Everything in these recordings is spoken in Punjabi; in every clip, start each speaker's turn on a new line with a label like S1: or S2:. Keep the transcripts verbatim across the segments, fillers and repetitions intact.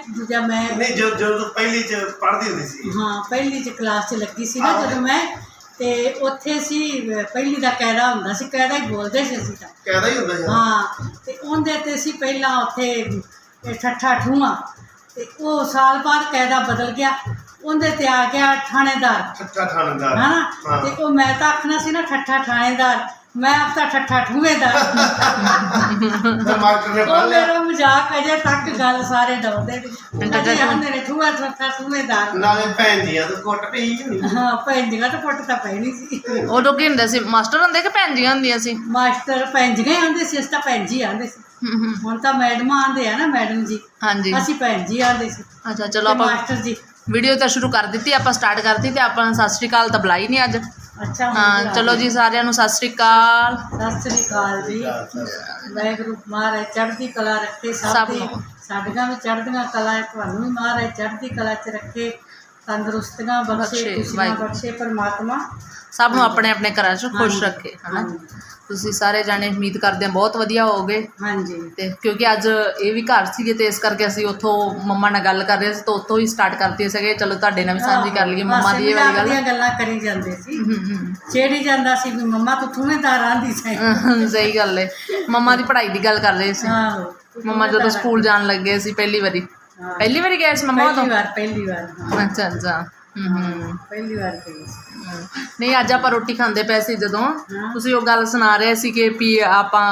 S1: ਦੂਜਾ ਮੈਂ
S2: ਨਹੀਂ ਜੋ ਜੋ ਪਹਿਲੀ ਚ ਪੜ੍ਹਦੀ ਹੁੰਦੀ ਸੀ
S1: ਹਾਂ ਪਹਿਲੀ ਚ ਕਲਾਸ ਚ ਲੱਗੀ ਸੀ ਨਾ ਜਦੋਂ ਮੈਂ ਤੇ ਉੱਥੇ ਸੀ ਪਹਿਲੀ ਦਾ ਕਾਇਦਾ ਹੁੰਦਾ ਸੀ ਕਾਇਦਾ ਹੀ ਬੋਲਦੇ ਸੀ ਅਸੀਂ ਤਾਂ
S2: ਕਾਇਦਾ ਹੀ ਹੁੰਦਾ ਸੀ
S1: ਹਾਂ ਤੇ ਉਹਦੇ ਤੇ ਸੀ ਪਹਿਲਾਂ ਉੱਥੇ ਠੱਠਾ ਠੂਆ ਤੇ ਉਹ ਸਾਲ ਬਾਅਦ ਕਾਇਦਾ ਬਦਲ ਗਿਆ ਉਹਦੇ ਤੇ ਆ ਗਿਆ ਥਾਣੇਦਾਰ
S2: ਠੱਠਾ ਥਾਣੇਦਾਰ
S1: ਹਾਂ ਤੇ ਉਹ ਮੈਂ ਤਾਂ ਆਖਣਾ ਸੀ ਨਾ ਠੱਠਾ ਥਾਣੇਦਾਰ मैं अब तो ठट्ठा ठूएदार मेरा मजाक अजे तक गल सारे डरदे ने ठूआ ठट्ठा ठूएदार
S2: नाले भैन दियां तो कुट पई होनी
S1: हां भैन दियां तो कुट तां पैनी सी
S3: उदों की हुंदे सी मास्टर हुंदे कि भैन जियां हुंदियां सी
S1: मास्टर भैन जियां आंदे सी अस तां भैन जी आंदे सी हुण तां मैडम आंदे आ ना मैडम जी
S3: हां जी
S1: असीं भैन जी आंदे सी
S3: अच्छा चलो आपां
S1: मास्टर जी
S3: वीडियो तो शुरू कर दी आपां स्टार्ट करती ते आपां सत श्री अकाल तां बुलाई नहीं अज
S1: अच्छा
S3: हाँ चलो जी सारिਆਂ ਨੂੰ सत श्री अकाल
S1: सत श्री अकाल जी वाहिगुरू महाराज चढ़दी कला रखे सब दी साडियां भी चढ़दियां कला तुहानूं भी महाराज चढ़दी कला च रखे तंदुरुस्तियां बख्शे खुशियां बख्शे परमात्मा
S3: सब ਨੂੰ ਆਪਣੇ ਆਪਣੇ ਘਰਾਂ 'ਚ खुश रखे है ना ਤੁਸੀਂ ਸਾਰੇ ਜਾਣੇ ਉਮੀਦ ਕਰਦੇ ਹਾਂ ਬਹੁਤ ਵਧੀਆ ਹੋਗੇ
S1: ਹਾਂਜੀ
S3: ਤੇ ਕਿਉਂਕਿ ਅੱਜ ਇਹ ਵੀ ਘਰ ਸੀਗੇ ਤੇ ਇਸ ਕਰਕੇ ਅਸੀਂ ਉੱਥੋਂ ਮੰਮਾ ਨਾਲ ਗੱਲ ਕਰ ਰਹੇ ਸੀ ਤਾਂ ਉੱਥੋਂ ਹੀ ਸਟਾਰਟ ਕਰਤੀ ਸੀਗੇ ਚਲੋ ਤੁਹਾਡੇ ਨਾਲ ਵੀ ਸਾਂਝੀ ਕਰ ਲਈਏ ਮੰਮਾ ਦੀ ਇਹ ਵਾਲੀ ਗੱਲ
S1: ਦੀਆਂ ਗੱਲਾਂ ਕਰੀ ਜਾਂਦੇ ਸੀ ਛੇੜੀ ਜਾਂਦਾ ਸੀ ਵੀ ਮੰਮਾ ਤੂੰ ਥੂਵੇਦਾਰ ਆਂਦੀ ਸੀ
S3: ਸਹੀ ਗੱਲ ਹੈ ਮੰਮਾ ਦੀ ਪੜ੍ਹਾਈ ਦੀ ਗੱਲ ਕਰ ਰਹੇ ਸੀ
S1: ਆਹੋ
S3: ਮੰਮਾ ਜਦੋਂ ਸਕੂਲ ਜਾਣ ਲੱਗੇ ਸੀ ਪਹਿਲੀ ਵਾਰੀ ਪਹਿਲੀ ਵਾਰੀ ਗਏ ਸੀ ਮੰਮਾ ਤੋਂ
S1: ਪਹਿਲੀ ਵਾਰ ਪਹਿਲੀ ਵਾਰ
S3: ਅੱਛਾ ਅੱਛਾ ਹੂੰ
S1: ਪਹਿਲੀ ਵਾਰ ਗਈ
S3: ਨਹੀਂ ਅੱਜ ਆਪਾਂ ਰੋਟੀ ਖਾਂਦੇ ਪਏ ਸੀ ਜਦੋਂ ਤੁਸੀਂ ਉਹ ਗੱਲ ਸੁਣਾ ਰਹੇ ਸੀ ਕਿ ਵੀ ਆਪਾਂ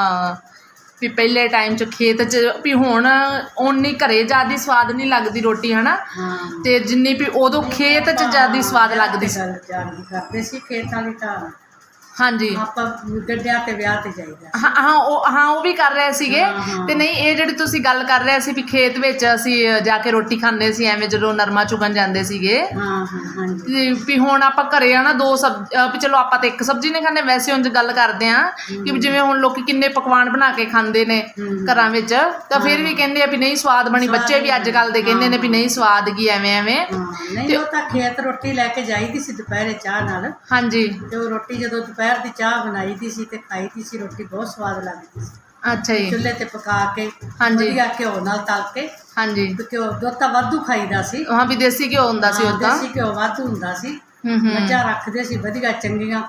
S3: ਵੀ ਪਹਿਲੇ ਟਾਈਮ 'ਚ ਖੇਤ 'ਚ ਵੀ ਹੁਣ ਓਨੀ ਘਰੇ ਜ਼ਿਆਦਾ ਸਵਾਦ ਨਹੀਂ ਲੱਗਦੀ ਰੋਟੀ ਹੈ ਨਾ ਤੇ ਜਿੰਨੀ ਵੀ ਉਦੋਂ ਖੇਤ 'ਚ ਜ਼ਿਆਦਾ ਸਵਾਦ ਲੱਗਦੀ ਸੀ
S1: ਕਰਦੇ ਸੀ ਖੇਤ ਵਾਲੀ ਤਾਂ
S3: ਹਾਂਜੀ
S1: ਆਪਾਂ ਗੱਡਿਆਂ ਤੇ ਵਿਆਹ ਤੇ ਜਾਈਦਾ
S3: ਹਾਂ ਹਾਂ ਉਹ ਹਾਂ ਉਹ ਵੀ ਕਰ ਰਹੇ ਸੀਗੇ ਤੇ ਨਹੀਂ ਇਹ ਜਿਹੜੀ ਤੁਸੀਂ ਗੱਲ ਕਰ ਰਹੇ ਸੀ ਵੀ ਖੇਤ ਵਿੱਚ ਅਸੀਂ ਜਾ ਕੇ ਰੋਟੀ ਖਾਂਦੇ ਸੀ ਐਵੇਂ ਜਦੋਂ ਨਰਮਾ ਚੁਗਣ ਜਾਂਦੇ ਸੀਗੇ
S1: ਹਾਂ ਹਾਂ ਹਾਂਜੀ
S3: ਵੀ ਹੁਣ ਆਪਾਂ ਘਰੇ ਆ ਨਾ ਦੋ ਸਬ ਵੀ ਚਲੋ ਆਪਾਂ ਤਾਂ ਇੱਕ ਸਬਜ਼ੀ ਨਹੀਂ ਖਾਂਦੇ ਵੈਸੇ ਉਂਝ ਗੱਲ ਕਰਦੇ ਆ ਕਿ ਜਿਵੇਂ ਹੁਣ ਲੋਕੀ ਕਿੰਨੇ ਪਕਵਾਨ ਬਣਾ ਕੇ ਖਾਂਦੇ ਨੇ ਘਰਾਂ ਵਿੱਚ ਤਾਂ ਫਿਰ ਵੀ ਕਹਿੰਦੇ ਆ ਵੀ ਨਹੀਂ ਸਵਾਦ ਬਣੀ ਬੱਚੇ ਵੀ ਅੱਜ ਕੱਲ੍ਹ ਦੇ ਕਹਿੰਦੇ ਨੇ ਵੀ ਨਹੀਂ ਸਵਾਦ ਕੀ ਐਵੇਂ ਐਵੇਂ
S1: ਨਹੀਂ ਉਹ ਤਾਂ ਖੇਤ ਰੋਟੀ ਲੈ ਕੇ ਜਾਈਦੀ ਸੀ ਦੁਪਹਿਰੇ ਚਾਹ ਨਾਲ
S3: ਹਾਂਜੀ
S1: ਤੇ ਉਹ ਰੋਟੀ ਜਦੋਂ ਦੁਪਹਿਰ ਦੀ ਚਾਹ ਬਣਾਈ ਦੀ ਸੀ ਤੇ ਖਾਈ ਦੀ ਸੀ ਰੋਟੀ ਬਹੁਤ ਸਵਾਦ ਲੱਗਦੀ ਸੀ
S3: ਅੱਛਾ ਜੀ
S1: ਚੁੱਲ੍ਹੇ ਤੇ ਪਕਾ ਕੇ
S3: ਹਾਂਜੀ
S1: ਵਧੀਆ ਘਿਓ ਨਾਲ ਤਲ ਕੇ
S3: ਹਾਂਜੀ
S1: ਘਿਓ ਦੁੱਧ ਤਾਂ ਵਾਧੂ ਖਾਈਦਾ ਸੀ
S3: ਹਾਂ ਵੀ ਦੇਸੀ ਘਿਓ ਹੁੰਦਾ ਸੀ ਉਦਾਂ
S1: ਦੇਸੀ ਘਿਓ ਵਾਧੂ ਹੁੰਦਾ ਸੀ ਮੱਝਾਂ ਰੱਖਦੇ ਸੀ ਵਧੀਆ ਚੰਗੀਆਂ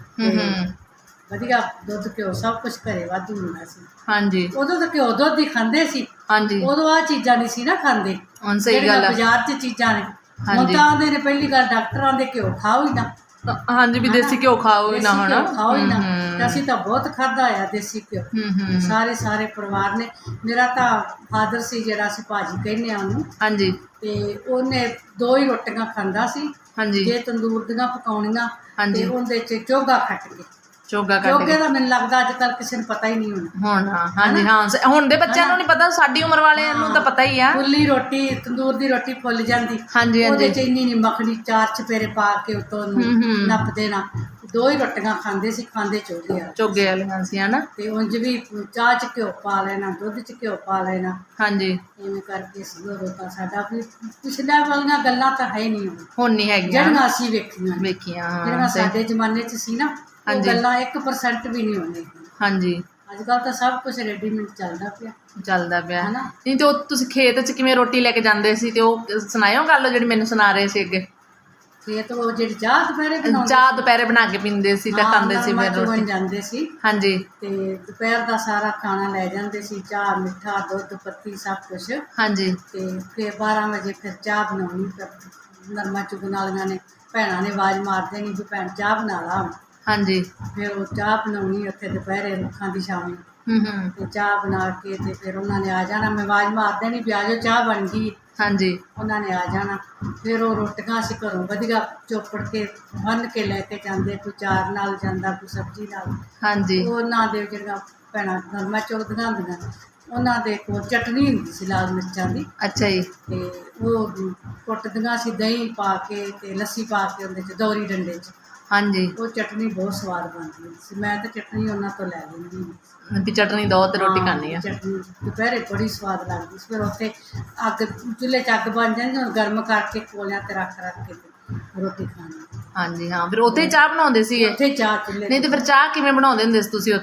S1: ਵਧੀਆ ਦੁੱਧ ਘਿਓ ਸਭ ਕੁਝ ਘਰੇ ਵਾਧੂ ਹੁੰਦਾ ਸੀ
S3: ਹਾਂਜੀ
S1: ਉਦੋਂ ਤਾਂ ਘਿਓ ਦੁੱਧ ਹੀ ਖਾਂਦੇ ਸੀ
S3: ਹਾਂਜੀ
S1: ਉਦੋਂ ਆਹ ਚੀਜ਼ਾਂ ਨਹੀਂ ਸੀ ਨਾ ਖਾਂਦੇ
S3: ਹੁਣ ਸਹੀ ਗੱਲ ਹੈ
S1: ਬਾਜ਼ਾਰ 'ਚ ਚੀਜ਼ਾਂ ਨੇ ਹੁਣ ਤਾਂ ਆਉਂਦੇ ਨੇ ਪਹਿਲੀ ਗੱਲ ਡਾਕਟਰਾਂ ਦੇ ਘਿਓ ਖਾਓ ਹੀ ਨਾ
S3: ਹਾਂਜੀ ਵੀ ਦੇਸੀ ਘਿਓ ਖਾਓ ਹੀ ਨਾ ਹੁਣ
S1: ਖਾਓ ਹੀ ਨਾ ਅਸੀਂ ਤਾਂ ਬਹੁਤ ਖਾਧਾ ਆ ਦੇਸੀ ਘਿਓ ਸਾਰੇ ਸਾਰੇ ਪਰਿਵਾਰ ਨੇ ਮੇਰਾ ਤਾਂ ਫਾਦਰ ਸੀ ਜਿਹੜਾ ਅਸੀਂ ਭਾਜੀ ਕਹਿੰਦੇ ਆ ਉਹਨੂੰ
S3: ਹਾਂਜੀ
S1: ਤੇ ਉਹਨੇ ਦੋ ਹੀ ਰੋਟੀਆਂ ਖਾਂਦਾ ਸੀ
S3: ਹਾਂਜੀ
S1: ਜੇ ਤੰਦੂਰ ਦੀਆਂ ਪਕਾਉਣੀਆਂ
S3: ਹਾਂਜੀ
S1: ਤੇ ਉਹਦੇ 'ਚ ਚੋਗਾ ਕੱਟ ਕੇ
S3: ਚੋਗਾ ਕੱਟ
S1: ਚੋਗੇ ਦਾ ਮੈਨੂੰ ਲੱਗਦਾ ਅੱਜ ਕੱਲ੍ਹ ਕਿਸੇ ਨੂੰ ਪਤਾ ਹੀ ਨਹੀਂ ਹੋਣਾ
S3: ਹੁਣ ਹਾਂਜੀ ਹਾਂ ਹੁਣ ਦੇ ਬੱਚਿਆਂ ਨੂੰ ਨਹੀਂ ਪਤਾ ਸਾਡੀ ਉਮਰ ਵਾਲਿਆਂ ਨੂੰ ਤਾਂ ਪਤਾ ਹੀ ਆ
S1: ਫੁੱਲੀ ਰੋਟੀ ਤੰਦੂਰ ਦੀ ਰੋਟੀ ਫੁੱਲ ਜਾਂਦੀ
S3: ਹਾਂਜੀ
S1: ਉਹਦੇ 'ਚ ਇੰਨੀ ਨਹੀਂ ਮੱਖਣੀ ਚਾਰ ਚਪੇਰੇ ਪਾ ਕੇ ਉੱਤੋਂ ਨੱਪ ਦੇਣਾ ਦੋ ਹੀ ਰੋਟੀਆਂ ਖਾਂਦੇ ਸੀ ਖਾਂਦੇ ਚੋਗੇ ਆ
S3: ਚੋਗੇ ਵਾਲੀਆਂ ਸੀ ਹਨਾ ਤੇ
S1: ਉਂਝ ਵੀ ਚਾਹ 'ਚ ਘਿਓ ਪਾ ਲੈਣਾ ਦੁੱਧ 'ਚ ਘਿਓ ਪਾ ਲੈਣਾ
S3: ਹਾਂਜੀ
S1: ਇਵੇਂ ਕਰਕੇ ਸੀ ਉਦੋਂ ਤਾਂ ਸਾਡਾ ਵੀ ਪਿਛਲੇ ਵਾਲੀਆਂ ਗੱਲਾਂ ਤਾਂ ਹੈ ਨਹੀਂ
S3: ਹੁਣ ਨਹੀਂ ਹੈਗੀਆਂ
S1: ਜਿਹੜੀਆਂ ਅਸੀਂ ਵੇਖੀਆਂ
S3: ਵੇਖੀਆਂ
S1: ਜਿਹੜੀਆਂ ਸਾਡੇ ਜ਼ਮਾਨੇ 'ਚ ਸੀ ਨਾ ਉਹ ਗੱਲਾਂ ਇੱਕ ਪਰਸੈਂਟ ਵੀ ਨਹੀਂ ਹੋਣੀ
S3: ਹਾਂਜੀ
S1: ਅੱਜ ਕੱਲ੍ਹ ਤਾਂ ਸਭ ਕੁਝ ਰੈਡੀਮੇਡ ਚੱਲਦਾ ਪਿਆ
S3: ਚੱਲਦਾ ਪਿਆ ਨਹੀਂ ਤੇ ਉਹ ਤੁਸੀਂ ਖੇਤ 'ਚ ਕਿਵੇਂ ਰੋਟੀ ਲੈ ਕੇ ਜਾਂਦੇ ਸੀ ਤੇ ਉਹ ਸੁਣਾਇਓ ਗੱਲ ਜਿਹੜੀ ਮੈਨੂੰ ਸੁਣਾ ਰਹੇ ਸੀ ਅੱਗੇ
S1: ਖੇਤ ਉਹ ਜਿਹੜੀ ਚਾਹ ਦੁਪਹਿਰੇ ਬਣਾਉਂਦੇ
S3: ਚਾਹ ਦੁਪਹਿਰੇ ਬਣਾ ਕੇ ਪੀਂਦੇ ਸੀ ਤੇ ਖਾਂਦੇ ਸੀ ਫਿਰ ਰੋਟੀ
S1: ਜਾਂਦੇ ਸੀ
S3: ਹਾਂਜੀ
S1: ਤੇ ਦੁਪਹਿਰ ਦਾ ਸਾਰਾ ਖਾਣਾ ਲੈ ਜਾਂਦੇ ਸੀ ਚਾਹ ਮਿੱਠਾ ਦੁੱਧ ਪੱਤੀ ਸਭ ਕੁਝ ਹਾਂਜੀ ਤੇ ਫਿਰ ਬਾਰਾਂ ਵਜੇ ਫਿਰ ਚਾਹ ਬਣਾਉਣੀ ਨਰਮਾ ਚੁਗਣ ਵਾਲੀਆਂ ਨੇ ਭੈਣਾਂ ਨੇ ਆਵਾਜ਼ ਮਾਰ ਦੇਣੀ ਵੀ ਭੈਣ ਚਾਹ ਬਣਾ ਲਾ ਹਾਂਜੀ ਫਿਰ ਉਹ ਚਾਹ ਬਣਾਉਣੀ ਉੱਥੇ ਦੁਪਹਿਰੇ ਰੁੱਖਾਂ ਦੀ ਛਾਵੇਂ ਤੇ ਚਾਹ ਬਣਾ ਕੇ ਤੇ ਫਿਰ ਉਹਨਾਂ ਨੇ ਆ ਜਾਣਾ ਮੈਂ ਆਵਾਜ਼ ਮਾਰ ਦੇਣੀ ਵੀ ਆ ਜਾਓ ਚਾਹ ਬਣ ਗਈ ਹਾਂਜੀ ਉਹਨਾਂ ਨੇ ਆ ਜਾਣਾ ਫਿਰ ਉਹ ਰੋਟੀਆਂ ਅਸੀਂ ਘਰੋਂ ਵਧੀਆ ਚੋਪੜ ਕੇ ਬੰਨ੍ਹ ਕੇ ਲੈ ਕੇ ਜਾਂਦੇ ਕੋਈ ਚਾਰ ਨਾਲ ਜਾਂਦਾ ਕੋਈ ਸਬਜ਼ੀ ਨਾਲ ਹਾਂਜੀ ਉਹਨਾਂ ਦੇ ਜਿਹੜੀਆਂ ਭੈਣਾਂ ਨਰਮਾ ਚੁਗਦੀਆਂ ਹੁੰਦੀਆਂ ਉਹਨਾਂ ਦੇ ਕੋਲ ਚਟਨੀ ਹੁੰਦੀ ਸੀ ਲਾਲ ਮਿਰਚਾਂ ਦੀ ਅੱਛਾ ਜੀ ਤੇ ਉਹ ਕੁੱਟਦੀਆਂ ਸੀ ਦਹੀਂ ਪਾ ਕੇ ਤੇ ਲੱਸੀ ਪਾ ਕੇ ਉਹਦੇ 'ਚ ਦੌਰੀ ਡੰਡੇ 'ਚ ਹਾਂਜੀ ਉਹ ਚਟਨੀ ਬਹੁਤ ਸਵਾਦ ਬਣਦੀ ਸੀ ਮੈਂ ਤਾਂ ਚਟਨੀ ਉਹਨਾਂ ਤੋਂ ਲੈ ਲੈਂਦੀ ਵੀ ਚਟਨੀ ਦੋ ਤੇ ਰੋਟੀ ਖਾਣੀ ਆ ਚਟਨੀ ਦੁਪਹਿਰੇ ਬੜੀ ਸਵਾਦ ਲੱਗਦੀ ਸੀ ਫਿਰ ਉੱਥੇ ਅੱਗ ਚੁੱਲ੍ਹੇ 'ਚ ਅੱਗ ਬਣ ਜਾਂਦੀ ਹੁਣ ਗਰਮ ਕਰਕੇ ਕੋਲਿਆਂ 'ਤੇ ਰੱਖ ਰੱਖ ਕੇ ਰੋਟੀ ਖਾਣੀ ਹਾਂਜੀ ਹਾਂ ਫਿਰ ਉੱਥੇ ਚਾਹ ਬਣਾਉਂਦੇ ਸੀਗੇ ਉੱਥੇ ਚਾਹ ਚੁੱਲ੍ਹੇ ਨਹੀਂ ਤੇ ਫਿਰ ਚਾਹ ਕਿਵੇਂ ਬਣਾਉਂਦੇ ਹੁੰਦੇ ਸੀ ਤੁਸੀਂ ਉੱਥੇ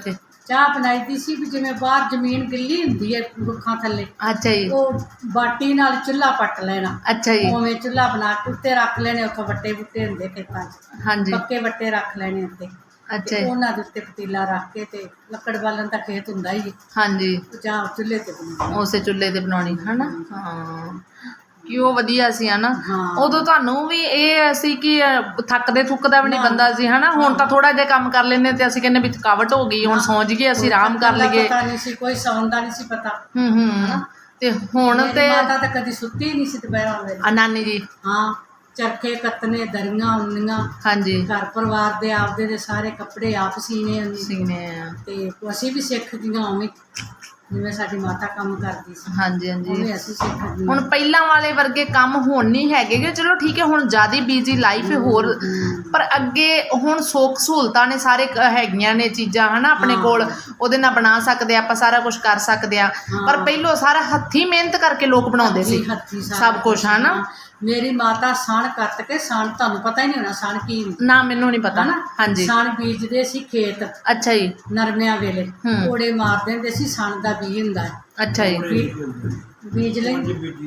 S1: ਚਾਹ ਬਣਾਈ ਦੀ ਸੀ ਵੀ ਜਿਵੇਂ ਬਾਹਰ ਜ਼ਮੀਨ ਗਿੱਲੀ ਹੁੰਦੀ ਹੈ ਰੁੱਖਾਂ ਥੱਲੇ,
S3: ਅੱਛਾ ਜੀ,
S1: ਉਹ ਬਾਟੀ ਨਾਲ ਚੁੱਲ੍ਹਾ ਪੱਟ ਲੈਣਾ,
S3: ਅੱਛਾ ਜੀ,
S1: ਉਵੇਂ ਚੁੱਲ੍ਹਾ ਬਣਾ ਕੇ ਉੱਤੇ ਰੱਖ ਲੈਣੇ, ਉੱਥੇ ਵੱਟੇ ਬੁੱਟੇ ਹੁੰਦੇ ਖੇਤਾਂ 'ਚ,
S3: ਹਾਂਜੀ,
S1: ਪੱਕੇ ਵੱਟੇ ਰੱਖ ਲੈਣੇ ਉੱਤੇ,
S3: ਅੱਛਾ
S1: ਤੇ
S3: ਜੀ,
S1: ਉਹਨਾਂ ਦੇ ਉੱਤੇ ਪਤੀਲਾ ਰੱਖ ਕੇ ਤੇ ਲੱਕੜ ਬਾਲਣ ਦਾ ਖੇਤ ਹੁੰਦਾ ਹੀ ਹੈ,
S3: ਹਾਂਜੀ,
S1: ਉਹ ਚਾਹ ਚੁੱਲ੍ਹੇ ਤੇ ਬਣਾਉਣੀ।
S3: ਉਸੇ ਚੁੱਲ੍ਹੇ ਤੇ ਬਣਾਉਣੀ ਹੈ ਨਾ। ਹਾਂ ਕਿ ਉਹ ਵਧੀਆ ਸੀ ਹੈ ਨਾ।
S1: ਹਾਂ।
S3: ਉਦੋਂ ਤੁਹਾਨੂੰ ਵੀ ਇਹ ਸੀ ਕਿ ਅ, ਥੱਕਦੇ ਥੁੱਕਦਾ ਵੀ ਨਹੀਂ
S1: ਨਾ।
S3: ਬੰਦਾ ਸੀ ਹੈ ਨਾ। ਹੁਣ ਤਾਂ ਥੋੜ੍ਹਾ ਜਿਹਾ ਕੰਮ ਕਰ ਲੈਂਦੇ ਤੇ ਅਸੀਂ ਕਹਿੰਦੇ ਵੀ ਥਕਾਵਟ ਹੋ ਗਈ, ਹੁਣ ਸੌਂ ਜਾਈਏ, ਅਸੀਂ ਆਰਾਮ ਕਰ
S1: ਕੋਈ
S3: ਲਈਏ।
S1: ਪਤਾ ਨਹੀਂ ਸੀ, ਕੋਈ ਸੌਣ ਦਾ ਨਹੀਂ ਸੀ ਪਤਾ।
S3: ਹੂੰ ਹੂੰ ਤੇ ਹੁਣ
S1: ਮੇਰੀ
S3: ਤੇ
S1: ਮਾਤਾ ਤਾਂ ਕਦੀ ਸੁੱਤੀ ਨਹੀਂ ਸੀ ਦੁਪਹਿਰਾਂ ਵੇਲੇ।
S3: ਆ ਨਾਨੀ ਜੀ,
S1: ਹਾਂ, ਚਰਖੇ ਕੱਤਣੇ, ਦਰੀਆਂ ਉੰਨੀਆਂ,
S3: ਹਾਂਜੀ,
S1: ਘਰ ਪਰਿਵਾਰ ਦੇ ਆਪਦੇ ਦੇ ਸਾਰੇ ਕੱਪੜੇ ਆਪ ਸੀਨੇ ਉਹਨੇ,
S3: ਸੀਨੇ ਆ,
S1: ਤੇ ਅਸੀਂ ਵੀ ਸਿੱਖ ਗਈਆਂ ਉਵੇਂ, ਜਿਵੇਂ ਸਾਡੀ ਮਾਤਾ ਕੰਮ ਕਰਦੀ ਸੀ
S3: ਹਾਂਜੀ ਹਾਂਜੀ।
S1: ਉਵੇਂ ਅਸੀਂ ਸਿੱਖ ਗਈਆਂ।
S3: ਹੁਣ ਪਹਿਲਾਂ ਵਾਲੇ ਵਰਗੇ ਕੰਮ ਹੁਣ ਨਹੀਂ ਹੈਗੇ ਗੇ। ਚਲੋ ਠੀਕ ਹੈ, ਹੁਣ ਜ਼ਿਆਦਾ ਬਿਜ਼ੀ ਲਾਈਫ ਹੈ ਹੋਰ, ਪਰ ਅੱਗੇ ਹੁਣ ਸੁੱਖ ਸਹੂਲਤਾਂ ਨੇ ਸਾਰੇ ਕ- ਹੈਗੀਆਂ ਨੇ ਚੀਜ਼ਾਂ ਹੈ ਨਾ ਆਪਣੇ ਕੋਲ, ਉਹਦੇ ਨਾਲ ਬਣਾ ਸਕਦੇ ਆ ਆਪਾਂ, ਸਾਰਾ ਕੁਝ ਕਰ ਸਕਦੇ ਆ। ਪਰ ਪਹਿਲੋਂ ਸਾਰਾ ਹੱਥੀਂ ਮਿਹਨਤ ਕਰਕੇ ਲੋਕ ਬਣਾਉਂਦੇ ਸੀ
S1: ਹੱਥੀਂ ਸਾਰਾ
S3: ਸਭ ਕੁਝ ਹੈ ਨਾ।
S1: ਮੇਰੀ ਮਾਤਾ ਸਣ ਕੱਤ ਕੇ, ਸਣ ਤੁਹਾਨੂੰ ਪਤਾ ਹੀ ਨਹੀਂ ਹੋਣਾ ਸਣ ਕੀ ਹੁੰਦਾ
S3: ਨਾ, ਮੈਨੂੰ ਨਹੀਂ ਪਤਾ।
S1: ਹਨਾ।
S3: ਹਾਂਜੀ,
S1: ਸਣ ਬੀਜਦੇ ਸੀ ਖੇਤ
S3: ਅੱਛਾ ਜੀ,
S1: ਨਰਮਿਆਂ ਵੇਲੇ,
S3: ਹੂੰ।
S1: ਕੋੜੇ ਮਾਰ ਦਿੰਦੇ ਸੀ, ਸਣ ਦਾ ਬੀਜ ਹੁੰਦਾ ਹੈ,
S3: ਅੱਛਾ ਜੀ,
S1: ਬੀ- ਬੀਜ ਲਈ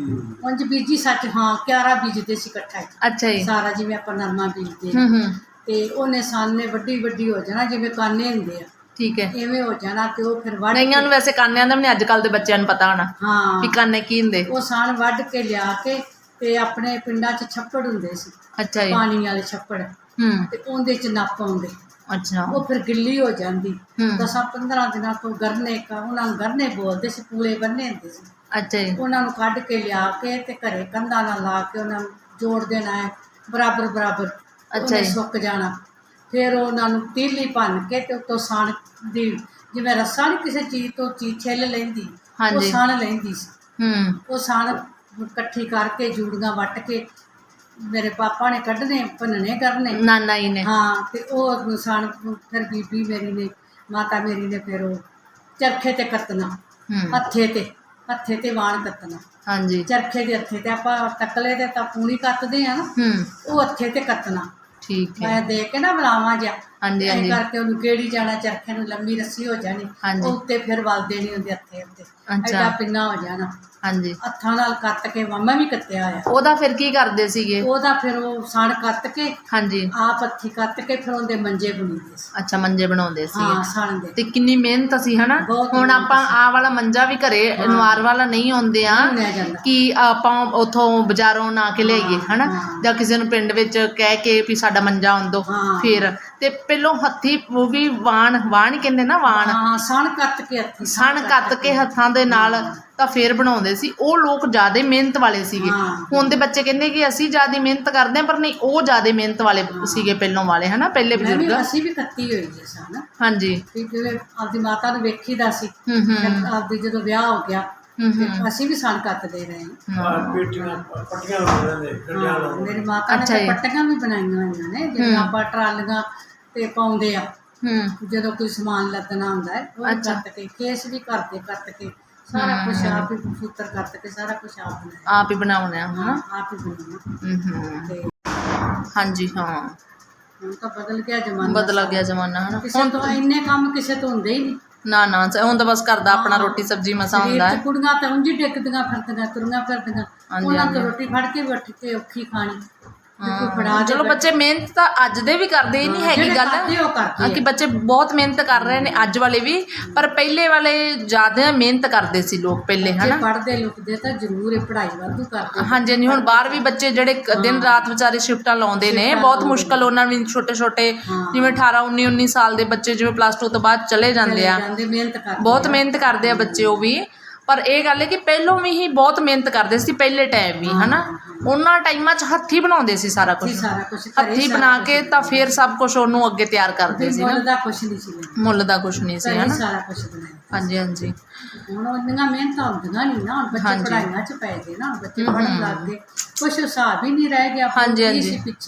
S1: ਉਂਝ ਬੀਜੀ ਸੱਚ, ਹਾਂ ਕਿਆਰਾ ਬੀਜਦੇ ਸੀ ਇਕੱਠਾ ਹੀ,
S3: ਅੱਛਾ ਜੀ,
S1: ਸਾਰਾ ਜਿਵੇਂ ਆਪਾਂ ਨਰਮਾ ਬੀਜਦੇ
S3: ਹੂੰ ਹੂੰ,
S1: ਤੇ ਉਹਨੇ ਸਣ ਨੇ ਵੱਡੀ ਵੱਡੀ ਹੋ ਜਾਣਾ, ਜਿਵੇਂ ਕਾਨੇ ਹੁੰਦੇ ਆ
S3: ਠੀਕ ਹੈ।
S1: ਇਵੇਂ ਹੋ ਜਾਣਾ, ਤੇ ਉਹ ਫਿਰ ਵੱਢ
S3: ਕਈਆਂ ਨੂੰ ਵੈਸੇ ਕਾਨਿਆਂ ਦਾ ਵੀ ਨਹੀਂ, ਅੱਜ ਕੱਲ੍ਹ ਦੇ ਬੱਚਿਆਂ ਨੂੰ ਪਤਾ ਹੋਣਾ
S1: ਹਾਂ
S3: ਵੀ ਕਾਨੇ ਕੀ ਹੁੰਦੇ।
S1: ਉਹ ਸਣ ਵੱਢ ਕੇ ਲਿਆ ਕੇ, ਤੇ ਆਪਣੇ ਪਿੰਡਾਂ 'ਚ ਛੱਪੜ ਹੁੰਦੇ ਸੀ,
S3: ਅੱਛਾ ਜੀ,
S1: ਪਾਣੀ ਵਾਲੇ ਛੱਪੜ,
S3: ਹੂੰ,
S1: ਤੇ ਉਹਦੇ 'ਚ ਨੱਪ ਆਉਂਦੇ,
S3: ਅੱਛਾ,
S1: ਉਹ ਫਿਰ ਗਿੱਲੀ ਹੋ ਜਾਂਦੀ।
S3: ਹੂੰ,
S1: ਦਸਾਂ ਪੰਦਰਾਂ ਦਿਨਾਂ ਤੋਂ ਗਰਨੇ ਕਾ, ਉਹਨਾਂ ਨੂੰ ਗਰਨੇ ਬੋਲਦੇ ਸੀ, ਪੂਲੇ ਬੰਨੇ ਹੁੰਦੇ ਸੀ,
S3: ਅੱਛਾ ਜੀ,
S1: ਉਹਨਾਂ ਨੂੰ ਕੱਢ ਕੇ ਲਿਆ ਕੇ ਤੇ ਘਰੇ ਕੰਧਾਂ ਨਾਲ ਲਾ ਕੇ ਉਹਨਾਂ ਨੂੰ ਜੋੜ ਦੇਣਾ ਹੈ ਬਰਾਬਰ ਬਰਾਬਰ, ਉਹਨੇ
S3: ਜੀ।
S1: ਸੁੱਕ ਜਾਣਾ। ਫਿਰ ਉਹਨਾਂ ਨੂੰ ਤੀਲੀ ਭੰਨ ਕੇ ਤੇ ਉੱਤੋਂ ਸਣ ਦੀ, ਜਿਵੇਂ ਰੱਸਾ ਨਹੀਂ ਕਿਸੇ ਚੀਜ਼ ਤੋਂ ਚੀਜ਼ ਛਿੱਲ ਲੈਂਦੀ, ਉਹ
S3: ਹਾਂਜੀ,
S1: ਸਣ ਲੈਂਦੀ ਸੀ।
S3: ਹੂੰ,
S1: ਉਹ ਸਣ ਇਕੱਠੀ ਕਰਕੇ ਜੂੜੀਆਂ ਵੱਟ ਕੇ ਮੇਰੇ ਪਾਪਾ ਨੇ ਕੱਢਣੇ, ਭੰਨਣੇ ਕਰਨੇ।
S3: ਨਾਨਾ ਜੀ ਨੇ,
S1: ਹਾਂ, ਤੇ ਉਹ ਸਣ ਫਿਰ ਬੀਬੀ ਮੇਰੀ ਨੇ, ਮਾਤਾ ਮੇਰੀ ਨੇ ਫਿਰ ਉਹ ਚਰਖੇ ਤੇ ਕੱਤਣਾ,
S3: ਹੂੰ,
S1: ਹੱਥੇ ਤੇ ਹੱਥੇ ਤੇ ਵਾਣ ਕੱਤਣਾ,
S3: ਹਾਂਜੀ,
S1: ਚਰਖੇ ਦੇ ਹੱਥੇ ਤੇ ਆਪਾਂ ਤਕਲੇ ਤੇ ਤਾਂ ਪੂਣੀ ਕੱਤਦੇ ਆ ਨਾ,
S3: ਹੂੰ,
S1: ਉਹ ਹੱਥੇ ਤੇ ਕੱਤਣਾ।
S3: ਠੀਕ ਹੈ,
S1: ਮੈਂ ਦੇ ਕੇ ਨਾ ਬਲਾਵਾਂ ਜਿਹਾ,
S3: ਹਾਂਜੀ
S1: ਐਂ
S3: ਹਾਂਜੀ,
S1: ਕਰਕੇ ਉਹਨੂੰ ਗੇੜੀ ਜਾਣਾ, ਚਰਖੇ ਨੂੰ ਲੰਮੀ ਰੱਸੀ ਹੋ ਜਾਣੀ,
S3: ਹਾਂਜੀ,
S1: ਉਹ ਉੱਤੇ ਫਿਰ ਵਲ ਦੇਣੀ ਉਹਦੇ ਹੱਥੇ ਉੱਤੇ,
S3: ਅੱਛਾ,
S1: ਐਡਾ ਪਿੰਨਾ ਹੋ ਜਾਣਾ,
S3: ਹਾਂਜੀ।
S1: ਹੱਥਾਂ ਨਾਲ ਕੱਤ ਕੇ, ਮਾਮਾ ਵੀ ਕੱਤਿਆ ਹੋਇਆ।
S3: ਉਹਦਾ ਫਿਰ ਕੀ ਕਰਦੇ ਸੀਗੇ?
S1: ਉਹਦਾ ਫਿਰ ਉਹ ਸਣ ਕੱਤ ਕੇ,
S3: ਹਾਂਜੀ,
S1: ਆਪ ਹੱਥੀ ਕੱਤ ਕੇ, ਫਿਰ ਉਹਦੇ ਮੰਜੇ ਬਣਾਉਂਦੇ ਸੀ।
S3: ਅੱਛਾ, ਮੰਜੇ ਬਣਾਉਂਦੇ ਸੀ।
S1: ਹਾਂ, ਸਣ ਦੇ
S3: ਤੇ ਕਿੰਨੀ ਮਿਹਨਤ ਸੀ ਹਨਾ।
S1: ਬਹੁਤ
S3: ਹੁਣ
S1: ਮਿਹਨਤ
S3: ਆਪਾਂ
S1: ਸੀ।
S3: ਆਹ ਵਾਲਾ ਮੰਜਾ ਵੀ ਘਰੇ ਅਨਵਾਰ ਵਾਲਾ ਨਹੀਂ ਆਉਂਦੇ ਆ
S1: ਨਹੀਂ ਬਣਿਆ ਜਾਂਦਾ।
S3: ਕਿ ਆਪਾਂ ਉਥੋਂ ਬਾਜ਼ਾਰੋਂ ਨਾ ਕੇ ਲਿਆਈਏ ਹਨਾ,
S1: ਹਾਂ।
S3: ਜਾਂ ਕਿਸੇ ਨੂੰ ਪਿੰਡ ਵਿੱਚ ਕਹਿ ਕੇ ਵੀ ਸਾਡਾ ਮੰਜਾ ਆਉਂਦੋ,
S1: ਹਾਂ।
S3: ਫਿਰ ਤੇ ਪਹਿਲੋਂ ਹੱਥੀ ਉਹ ਵੀ ਵਾਣ ਵਾਣ ਹੀ ਕਹਿੰਦੇ ਨਾ, ਵਾਣ
S1: ਹਾਂ, ਸਣ ਕੱਤ ਕੇ ਹੱਥੀ,
S3: ਸਣ ਕੱਤ ਕੇ ਹੱਥਾਂ ਦੇ ਨਾਲ ਤਾਂ ਫੇਰ ਬਣਾਉਂਦੇ ਸੀ। ਉਹ ਲੋਕ ਜ਼ਿਆਦਾ ਮਿਹਨਤ ਵਾਲੇ ਸੀਗੇ।
S1: ਹਾਂ।
S3: ਹੁਣ ਦੇ ਬੱਚੇ ਕਹਿੰਦੇ ਕਿ ਅਸੀਂ ਜ਼ਿਆਦਾ ਮਿਹਨਤ ਕਰਦੇ ਹਾਂ, ਪਰ ਨਹੀਂ, ਉਹ ਜ਼ਿਆਦਾ ਮਿਹਨਤ ਵਾਲੇ ਸੀਗੇ ਪਹਿਲੋਂ ਵਾਲੇ ਹਨਾ, ਪਹਿਲੇ
S1: ਮੈਂ ਵੀ,
S3: ਬਜ਼ੁਰਗ।
S1: ਅਸੀਂ ਵੀ ਕੱਤੀ ਹੋਈ ਹੈ ਸਣ,
S3: ਹਾਂਜੀ,
S1: ਵੀ ਜਿਵੇਂ ਆਪਦੀ ਮਾਤਾ ਨੂੰ ਵੇਖੀਦਾ ਸੀ,
S3: ਹੂੰ ਹੂੰ
S1: ਫਿਰ ਆਪਦੀ ਜਦੋਂ ਵਿਆਹ ਹੋ ਗਿਆ
S3: ਹੂੰ
S1: ਤੇ
S3: ਹੂੰ
S1: ਅਸੀਂ ਵੀ ਸਣ ਕੱਤਦੇ ਰਹੇ ਹਾਂ।
S3: ਹਾਂ,
S4: ਪੇਟੀਆਂ ਪੱਟੀਆਂ ਲਾਉਂਦੇ ਨੇ, ਗੱਡੀਆਂ
S1: ਹਾਂ,
S4: ਲਾਉਂਦੇ
S1: ਮੇਰੀ ਮਾਤਾ ਨੇ
S3: ਅੱਛਾ
S1: ਤਾਂ
S3: ਜੀ।
S1: ਪੱਟੀਆਂ ਵੀ ਬਣਾਈਆਂ ਹੋਈਆਂ ਨੇ, ਜਿਵੇਂ
S3: ਹੂੰ।
S1: ਆਪਾਂ ਟਰਾਲੀਆਂ ਤੇ ਪਾਉਂਦੇ ਆ,
S3: ਹੂੰ,
S1: ਜਦੋਂ ਕੋਈ ਸਮਾਨ ਲੱਦਣਾ ਹੁੰਦਾ ਹੈ, ਉਹ ਵੀ
S3: ਅੱਛਾ।
S1: ਕੱਤ ਕੇ, ਕੇਸ ਵੀ ਘਰ ਦੇ ਕੱਤ ਕੇ, ਸਾਰਾ ਕੁਝ ਆਪ ਹੀ, ਸੂਤਰ ਕੱਤ ਕੇ ਸਾਰਾ ਕੁਝ ਆਪ ਬਣਾਇਆ।
S3: ਆਪ ਹੀ ਬਣਾਉਣਾ ਹਨਾ।
S1: ਹਾਂ, ਆਪ ਹੀ ਬਣਾਉਣਾ।
S3: ਹੂੰ ਹੂੰ,
S1: ਤੇ
S3: ਹਾਂਜੀ, ਹਾਂ,
S1: ਹੁਣ ਤਾਂ ਬਦਲ ਗਿਆ ਜ਼ਮਾਨਾ,
S3: ਬਦਲ ਗਿਆ ਜ਼ਮਾਨਾ ਹਨਾ।
S1: ਕਿਸੇ
S3: ਹੁਣ
S1: ਤੋਂ ਇੰਨੇ ਕੰਮ ਕਿਸੇ ਤੋਂ ਹੁੰਦੇ ਹੀ ਨਹੀਂ।
S3: ਨਾ ਨਾ, ਹੁਣ ਤਾਂ ਬਸ ਘਰ ਦਾ ਆਪਣਾ
S1: ਹਾਂ।
S3: ਰੋਟੀ ਸਬਜ਼ੀ ਮਸਾ
S1: ਸਰੀਰ
S3: ਹੁੰਦਾ
S1: 'ਚ
S3: ਹੈ।
S1: ਕੁੜੀਆਂ ਤਾਂ ਉਂਝ ਹੀ ਡਿੱਗਦੀਆਂ ਫਿਰਦੀਆਂ, ਤੁਰੀਆਂ ਫਿਰਦੀਆਂ,
S3: ਹਾਂਜੀ,
S1: ਉਹਨਾਂ ਤੋਂ
S3: ਹਾਂਜੀ।
S1: ਰੋਟੀ ਫੜ ਕੇ ਬੈਠ ਕੇ ਔਖੀ ਖਾਣੀ, ਵੀ ਕੋਈ ਫੜਾ
S3: ਹਾਂ,
S1: ਦੇ
S3: ਚਲੋ ਬੱਚੇ ਮਿਹਨਤ ਤਾਂ ਅੱਜ ਦੇ ਵੀ ਕਰਦੇ, ਇਹ ਨਹੀਂ
S1: ਹਾਂ,
S3: ਹੈਗੀ
S1: ਜਿਹੜੇ
S3: ਗੱਲ
S1: ਕਰਦੇ ਉਹ ਕਰਦੇ
S3: ਹਾਂ, ਕਿ ਬੱਚੇ ਬਹੁਤ ਮਿਹਨਤ ਕਰ ਰਹੇ ਨੇ ਅੱਜ ਵਾਲੇ ਵੀ, ਪਰ ਪਹਿਲੇ ਵਾਲੇ ਜ਼ਿਆਦਾ ਮਿਹਨਤ ਕਰਦੇ ਸੀ ਲੋਕ ਪਹਿਲੇ
S1: ਬੱਚੇ
S3: ਹਨਾ।
S1: ਪੜ੍ਹਦੇ ਲਿਖਦੇ ਤਾਂ ਜ਼ਰੂਰ ਇਹ ਪੜ੍ਹਾਈ ਵਾਧੂ ਕਰਦੇ।
S3: ਹਾਂਜੀ ਹਾਂਜੀ, ਹੁਣ ਬਾਹਰ ਵੀ ਬੱਚੇ ਜਿਹੜੇ ਕ- ਦਿਨ ਰਾਤ ਵਿਚਾਰੇ ਸ਼ਿਫਟਾਂ ਲਾਉਂਦੇ ਨੇ,
S1: ਸ਼ਿਫਟਾਂ
S3: ਬਹੁਤ
S1: ਲਾਉਂਦੇ
S3: ਮੁਸ਼ਕਲ ਉਹਨਾਂ ਨੂੰ ਵੀ, ਛੋਟੇ ਛੋਟੇ
S1: ਹਾਂ।
S3: ਜਿਵੇਂ ਅਠਾਰਾਂ ਉੱਨੀ ਉੱਨੀ ਸਾਲ ਦੇ ਬੱਚੇ ਜਿਵੇਂ ਪਲੱਸ ਟੂ ਤੋਂ ਬਾਅਦ ਚਲੇ ਜਾਂਦੇ
S1: ਚਲੇ
S3: ਆ,
S1: ਜਾਂਦੇ, ਮਿਹਨਤ ਕਰਦੇ
S3: ਬਹੁਤ
S1: ਆ।
S3: ਮਿਹਨਤ ਕਰਦੇ ਆ ਬੱਚੇ ਉਹ ਵੀ। ਪਰ ਇਹ ਗੱਲ ਹੈ ਕਿ ਪਹਿਲੋਂ ਵੀ ਹੀ ਬਹੁਤ ਮਿਹਨਤ ਕਰਦੇ ਸੀ ਪਹਿਲੇ ਟਾਈਮ ਵੀ ਹਨਾ। ਉਹਨਾਂ ਟਾਈਮਾਂ 'ਚ ਹੱਥੀਂ ਬਣਾਉਂਦੇ ਸੀ ਸਾਰਾ ਕੁਝ,
S1: ਹੱਥੀਂ ਸਾਰਾ ਕੁਛ, ਘਰੇ
S3: ਹੱਥੀਂ
S1: ਸਾਰਾ
S3: ਬਣਾ
S1: ਕੁਛ
S3: ਕੇ ਤਾਂ ਫਿਰ ਸਭ ਕੁਝ ਉਹਨੂੰ ਅੱਗੇ ਤਿਆਰ ਕਰਦੇ ਸੀ ਨਾ।
S1: ਮੁੱਲ ਦਾ ਕੁਛ ਨਹੀਂ ਸੀ ਲੈਣਾ,
S3: ਮੁੱਲ ਦਾ ਕੁਝ ਨਹੀਂ ਸੀ
S1: ਘਰੇ
S3: ਹਨਾ।
S1: ਸਾਰਾ ਕੁਛ ਬਣਾਇਆ।
S3: ਹਾਂਜੀ ਹਾਂਜੀ,
S1: ਹੁਣ ਉਹਦੀਆਂ ਮਿਹਨਤਾਂ ਹੁੰਦੀਆਂ ਨਹੀਂ ਨਾ, ਹੁਣ ਬੱਚੇ
S3: ਹਾਂਜੀ।
S1: ਪੜ੍ਹਾਈਆਂ 'ਚ ਪੈ ਗਏ ਨਾ, ਬੱਚੇ
S3: ਹੂੰ,
S1: ਪੜ੍ਹਨ
S3: ਹੂੰ।
S1: ਲੱਗ ਗਏ, ਕੁਛ ਹਿਸਾਬ ਹੀ ਨਹੀਂ ਰਹਿ ਗਿਆ।
S3: ਹਾਂਜੀ,
S1: ਕੀ
S3: ਹਾਂਜੀ।
S1: ਸੀ ਪਿੱਛੇ,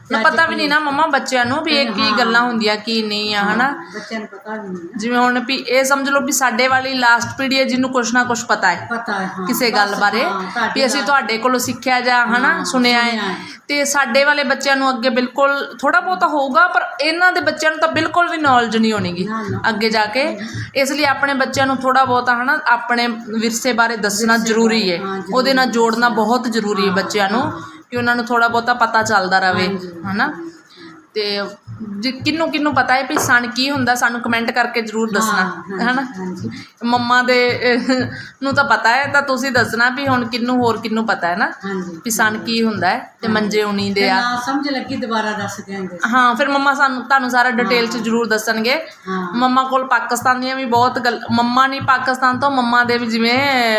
S3: ਨਾ ਪਤਾ ਵੀ ਨਹੀਂ ਨਾ ਮੰਮਾ ਬੱਚਿਆਂ ਨੂੰ ਵੀ ਇਹ ਕੀ ਗੱਲਾਂ ਹੁੰਦੀਆਂ ਕੀ ਨਹੀਂ ਆ ਹਨਾ।
S1: ਬੱਚਿਆਂ ਨੂੰ ਪਤਾ ਵੀ ਨਹੀਂ
S3: ਜਿਵੇਂ ਹੁਣ ਵੀ ਇਹ ਸਮਝ ਲਓ ਵੀ ਸਾਡੇ ਵਾਲੀ ਲਾਸਟ ਪੀੜ੍ਹੀ ਹੈ ਜਿਹਨੂੰ ਕੁਛ ਨਾ ਕੁਛ ਪਤਾ ਹੈ
S1: ਪਤਾ ਹੈ ਹਾਂ,
S3: ਕਿਸੇ ਗੱਲ
S1: ਬਸ,
S3: ਬਾਰੇ
S1: ਹਾਂ, ਤੁਹਾਡੀ
S3: ਵੀ ਅਸੀਂ
S1: ਗੱਲ-
S3: ਤੁਹਾਡੇ ਕੋਲੋਂ ਸਿੱਖਿਆ ਜਾਂ ਹਨਾ ਸੁਣਿਆ ਹੈ। ਤੇ ਸਾਡੇ ਵਾਲੇ ਬੱਚਿਆਂ ਨੂੰ ਅੱਗੇ ਬਿਲਕੁਲ ਥੋੜਾ ਬਹੁਤਾ ਹੋਊਗਾ, ਪਰ ਇਹਨਾਂ ਦੇ ਬੱਚਿਆਂ ਨੂੰ ਤਾਂ ਬਿਲਕੁਲ ਵੀ ਨੌਲੇਜ ਨਹੀਂ ਹੋਣੀਗੀ
S1: ਨਾ, ਨਾ।
S3: ਅੱਗੇ ਜਾ ਕੇ। ਇਸ ਲਈ ਆਪਣੇ ਬੱਚਿਆਂ ਨੂੰ ਥੋੜਾ ਬਹੁਤਾ ਹਨਾ ਆਪਣੇ ਵਿਰਸੇ ਬਾਰੇ ਦੱਸਣਾ ਜ਼ਰੂਰੀ ਹੈ,
S1: ਹਾਂ, ਜ਼ਰੂਰੀ
S3: ਉਹਦੇ ਨਾਲ ਜੋੜਨਾ ਬਹੁਤ ਜ਼ਰੂਰੀ ਹੈ ਬੱਚਿਆਂ ਨੂੰ, ਕਿ ਉਹਨਾਂ ਨੂੰ ਥੋੜਾ ਬਹੁਤਾ ਪਤਾ ਚੱਲਦਾ ਰਹੇ ਹਨਾ। ਤੇ ਜੇ ਕਿਹਨੂੰ ਕਿਹਨੂੰ ਪਤਾ ਹੈ ਵੀ ਸਣ ਕੀ ਹੁੰਦਾ ਸਾਨੂੰ ਕਮੈਂਟ ਕਰਕੇ ਜ਼ਰੂਰ ਦੱਸਣਾ ਹਨਾ। ਮੰਮਾ ਦੇ ਨੂੰ ਤਾਂ ਪਤਾ ਹੈ, ਤਾਂ ਤੁਸੀਂ ਦੱਸਣਾ ਵੀ ਹੁਣ ਕਿਹਨੂੰ ਹੋਰ ਕਿਹਨੂੰ ਪਤਾ ਹੈ ਨਾ ਵੀ ਸਣ ਕੀ ਹੁੰਦਾ ਹੈ ਤੇ ਮੰਜੇ ਉਣੀ ਦੇ ਆ।
S1: ਨਾ ਸਮਝ ਲੱਗੀ ਦੁਬਾਰਾ ਦੱਸ ਦਿਆਂਗੇ।
S3: ਹਾਂ ਫਿਰ ਮੰਮਾ ਸਾਨੂੰ ਤੁਹਾਨੂੰ ਸਾਰਾ ਡਿਟੇਲ 'ਚ ਜ਼ਰੂਰ ਦੱਸਣਗੇ।
S1: ਹਾਂ।
S3: ਮੰਮਾ ਕੋਲ ਪਾਕਿਸਤਾਨ ਦੀਆਂ ਵੀ ਬਹੁਤ ਗੱਲ, ਮੰਮਾ ਨਹੀਂ ਪਾਕਿਸਤਾਨ ਤੋਂ, ਮੰਮਾ ਦੇ ਵੀ ਜਿਵੇਂ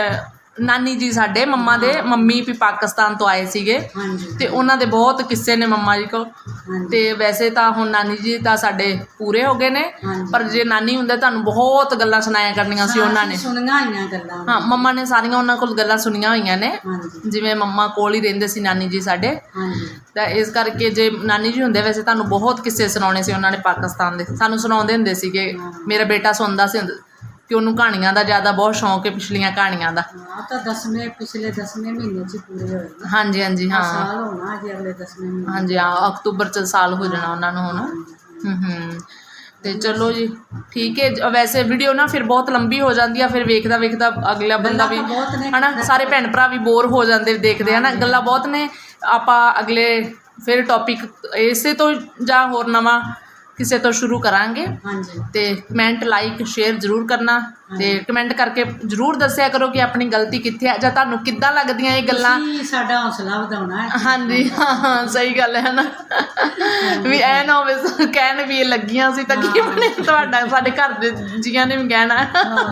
S3: ਨਾਨੀ ਜੀ ਸਾਡੇ ਮੰਮਾ ਦੇ ਮੰਮੀ ਵੀ ਪਾਕਿਸਤਾਨ ਤੋਂ ਆਏ ਸੀਗੇ
S1: ਹਾਂਜੀ।
S3: ਤੇ ਉਹਨਾਂ ਦੇ ਬਹੁਤ ਕਿੱਸੇ ਨੇ ਮੰਮਾ ਜੀ ਕੋਲ। ਤੇ ਵੈਸੇ ਤਾਂ ਹੁਣ ਨਾਨੀ ਜੀ ਤਾਂ ਸਾਡੇ ਪੂਰੇ ਹੋ ਗਏ ਨੇ, ਪਰ ਜੇ ਨਾਨੀ ਹੁੰਦੇ ਤੁਹਾਨੂੰ ਬਹੁਤ ਗੱਲਾਂ ਸੁਣਾਇਆ ਕਰਨੀਆਂ ਸੀ ਉਹਨਾਂ ਨੇ।
S1: ਸੁਣੀਆਂ ਹੋਈਆਂ ਗੱਲਾਂ।
S3: ਹਾਂ ਮੰਮਾ ਨੇ ਸਾਰੀਆਂ ਉਹਨਾਂ ਕੋਲ ਗੱਲਾਂ ਸੁਣੀਆਂ ਹੋਈਆਂ ਨੇ,
S1: ਹਾਂਜੀ।
S3: ਜਿਵੇਂ ਮੰਮਾ ਕੋਲ ਹੀ ਰਹਿੰਦੇ ਸੀ ਨਾਨੀ ਜੀ ਸਾਡੇ।
S1: ਹਾਂਜੀ।
S3: ਤਾਂ ਇਸ ਕਰਕੇ ਜੇ ਨਾਨੀ ਜੀ ਹੁੰਦੇ ਵੈਸੇ ਤੁਹਾਨੂੰ ਬਹੁਤ ਕਿੱਸੇ ਸੁਣਾਉਣੇ ਸੀ ਉਹਨਾਂ ਨੇ ਪਾਕਿਸਤਾਨ ਦੇ, ਸਾਨੂੰ ਸੁਣਾਉਂਦੇ ਹੁੰਦੇ ਸੀਗੇ। ਮੇਰਾ ਬੇਟਾ ਸੁਣਦਾ ਸੀ ਕਿ ਉਹਨੂੰ ਕਹਾਣੀਆਂ ਦਾ ਜ਼ਿਆਦਾ ਬਹੁਤ ਸ਼ੌਂਕ ਹੈ, ਪਿਛਲੀਆਂ ਕਹਾਣੀਆਂ ਦਾ।
S1: ਹਾਂ ਤਾਂ ਦਸਵੇਂ ਪਿਛਲੇ ਦਸਵੇਂ ਮਹੀਨੇ 'ਚ ਪੂਰੇ ਹੋਏ ਨੇ।
S3: ਹਾਂਜੀ ਹਾਂਜੀ ਹਾਂ
S1: ਸਾਲ ਹੋਣਾ ਅਜੇ ਅਗਲੇ ਦਸਵੇਂ ਮਹੀਨੇ।
S3: ਹਾਂਜੀ ਹਾਂ ਅਕਤੂਬਰ 'ਚ ਸਾਲ ਹੋ ਜਾਣਾ ਉਹਨਾਂ ਨੂੰ ਹੁਣ। ਹੂੰ ਹੂੰ ਤੇ ਚਲੋ ਜੀ ਠੀਕ ਹੈ। ਵੈਸੇ ਵੀਡੀਓ ਨਾ ਫਿਰ ਬਹੁਤ ਲੰਬੀ ਹੋ ਜਾਂਦੀ ਆ, ਫਿਰ ਵੇਖਦਾ ਵੇਖਦਾ ਅਗਲਾ ਬੰਦਾ ਵੀ ਹਨਾ, ਸਾਰੇ ਭੈਣ ਭਰਾ ਵੀ ਬੋਰ ਹੋ ਜਾਂਦੇ ਦੇਖਦੇ ਹਨਾ, ਗੱਲਾਂ ਬਹੁਤ ਨੇ। ਆਪਾਂ ਅਗਲੇ ਫਿਰ ਟੌਪਿਕ ਇਸੇ ਤੋਂ ਜਾਂ ਹੋਰ ਨਵਾਂ ਕਿਸੇ ਤੋਂ ਸ਼ੁਰੂ ਕਰਾਂਗੇ।
S1: ਹਾਂਜੀ।
S3: ਤੇ ਕਮੈਂਟ ਲਾਈਕ ਸ਼ੇਅਰ ਜ਼ਰੂਰ ਕਰਨਾ, ਤੇ ਕਮੈਂਟ ਕਰਕੇ ਜ਼ਰੂਰ ਦੱਸਿਆ ਕਰੋ ਕਿ ਆਪਣੀ ਗਲਤੀ ਕਿੱਥੇ ਆ, ਜਾਂ ਤੁਹਾਨੂੰ ਕਿੱਦਾਂ ਲੱਗਦੀਆਂ ਇਹ ਗੱਲਾਂ।
S1: ਤੁਸੀਂ ਸਾਡਾ ਹੌਸਲਾ ਵਧਾਉਣਾ ਹੈ।
S3: ਹਾਂਜੀ ਹਾਂ ਹਾਂ ਸਹੀ ਗੱਲ ਹੈ ਨਾ, ਵੀ ਐ ਨਾ ਹੋਵੇ ਕਹਿਣ ਵੀ ਇਹ ਲੱਗੀਆਂ ਸੀ ਤਾਂ ਕੀ ਬਣੇ ਤੁਹਾਡਾ, ਸਾਡੇ ਘਰ ਦੇ ਜੀਆਂ ਨੇ ਵੀ ਕਹਿਣਾ।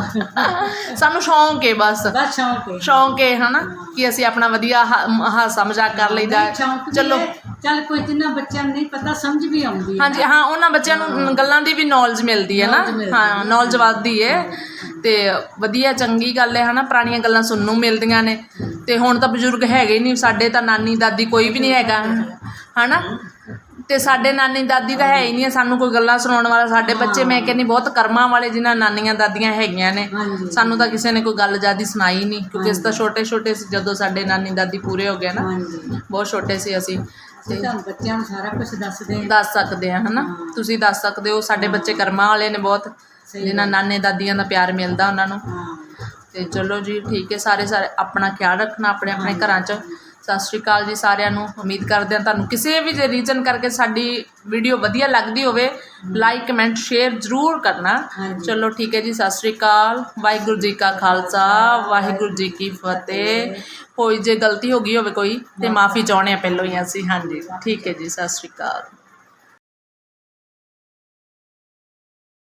S3: ਸਾਨੂੰ ਸ਼ੌਂਕ ਹੈ ਬਸ,
S1: ਬਸ ਸ਼ੌਂਕ ਹੈ।
S3: ਸ਼ੌਂਕ ਹੈ ਹਨਾ ਕਿ ਅਸੀਂ ਆਪਣਾ ਵਧੀਆ ਹਾ- ਹਾਸਾ ਮਜ਼ਾਕ ਕਰ ਲਈਦਾ। ਚਲੋ
S1: ਚੱਲ ਕੋਈ ਜਿੰਨਾ ਬੱਚਿਆਂ ਨੂੰ ਨਹੀਂ ਪਤਾ ਸਮਝ ਵੀ ਆਉਂਦੀ ਹੈ।
S3: ਹਾਂਜੀ ਹਾਂ ਉਹਨਾਂ ਬੱਚਿਆਂ ਨੂੰ ਗੱਲਾਂ ਦੀ ਵੀ ਨੌਲੇਜ ਮਿਲਦੀ ਹੈ ਨਾ। ਹਾਂ ਨੌਲੇਜ ਵੱਧਦੀ ਹੈ ਤੇ ਵਧੀਆ ਚੰਗੀ ਗੱਲ ਹੈ ਹਨਾ, ਪੁਰਾਣੀਆਂ ਗੱਲਾਂ ਸੁਣਨ ਨੂੰ ਮਿਲਦੀਆਂ ਨੇ। ਤੇ ਹੁਣ ਤਾਂ ਬਜ਼ੁਰਗ ਹੈਗੇ ਹੀ ਨਹੀਂ ਸਾਡੇ, ਤਾਂ ਨਾਨੀ ਦਾਦੀ ਕੋਈ ਵੀ ਨਹੀਂ ਹੈਗਾ ਹਨਾ। ਤੇ ਸਾਡੇ ਨਾਨੀ ਦਾਦੀ ਤਾਂ ਹੈ ਹੀ ਨਹੀਂ, ਸਾਨੂੰ ਕੋਈ ਗੱਲਾਂ ਸੁਣਾਉਣ ਵਾਲਾ। ਸਾਡੇ ਬੱਚੇ ਮੈਂ ਕਹਿੰਦੀ ਬਹੁਤ ਕਰਮਾਂ ਵਾਲੇ ਜਿਨ੍ਹਾਂ ਨਾਨੀਆਂ ਦਾਦੀਆਂ ਹੈਗੀਆਂ ਨੇ। ਸਾਨੂੰ ਤਾਂ ਕਿਸੇ ਨੇ ਕੋਈ ਗੱਲ ਜ਼ਿਆਦਾ ਸੁਣਾਈ ਨਹੀਂ, ਕਿਉਂਕਿ ਅਸੀਂ ਤਾਂ ਛੋਟੇ ਛੋਟੇ ਸੀ ਜਦੋਂ ਸਾਡੇ ਨਾਨੀ ਦਾਦੀ ਪੂਰੇ ਹੋ ਗਏ ਨਾ, ਬਹੁਤ ਛੋਟੇ ਸੀ ਅਸੀਂ।
S1: ਤੇ ਬੱਚਿਆਂ ਨੂੰ ਸਾਰਾ ਕੁਝ ਦੱਸਦੇ
S3: ਦੱਸ ਸਕਦੇ ਆ ਹਨਾ, ਤੁਸੀਂ ਦੱਸ ਸਕਦੇ ਹੋ। ਸਾਡੇ ਬੱਚੇ ਕਰਮਾਂ ਵਾਲੇ ਨੇ ਬਹੁਤ, ਜਿਨ੍ਹਾਂ ਨਾਨੇ ਦਾਦੀਆਂ ਦਾ ਪਿਆਰ ਮਿਲਦਾ ਉਹਨਾਂ ਨੂੰ। ਤੇ ਚਲੋ ਜੀ ਠੀਕ ਹੈ, ਸਾਰੇ ਸਾਰੇ ਆਪਣਾ ਖਿਆਲ ਰੱਖਣਾ ਆਪਣੇ ਆਪਣੇ ਘਰਾਂ 'ਚ। ਸਤਿ ਸ਼੍ਰੀ ਅਕਾਲ ਜੀ ਸਾਰਿਆਂ ਨੂੰ। ਉਮੀਦ ਕਰਦੇ ਹਾਂ ਤੁਹਾਨੂੰ ਕਿਸੇ ਵੀ ਰੀਜ਼ਨ ਕਰਕੇ ਸਾਡੀ ਵੀਡੀਓ ਵਧੀਆ ਲੱਗਦੀ ਹੋਵੇ, ਲਾਈਕ ਕਮੈਂਟ ਸ਼ੇਅਰ ਜ਼ਰੂਰ ਕਰਨਾ। ਚਲੋ ਠੀਕ ਹੈ ਜੀ, ਸਤਿ ਸ਼੍ਰੀ ਅਕਾਲ। ਵਾਹਿਗੁਰੂ ਜੀ ਕਾ ਖਾਲਸਾ ਵਾਹਿਗੁਰੂ ਜੀ ਕੀ ਫਤਿਹ। ਕੋਈ ਜੇ ਗਲਤੀ ਹੋ ਗਈ ਹੋਵੇ ਕੋਈ ਤੇ ਮਾफ़ੀ ਚਾਹੁੰਦੇ ਹਾਂ ਪਹਿਲੋਂ ਹੀ ਅਸੀਂ। ਹਾਂਜੀ ਠੀਕ ਹੈ ਜੀ, ਸਤਿ ਸ਼੍ਰੀ ਅਕਾਲ।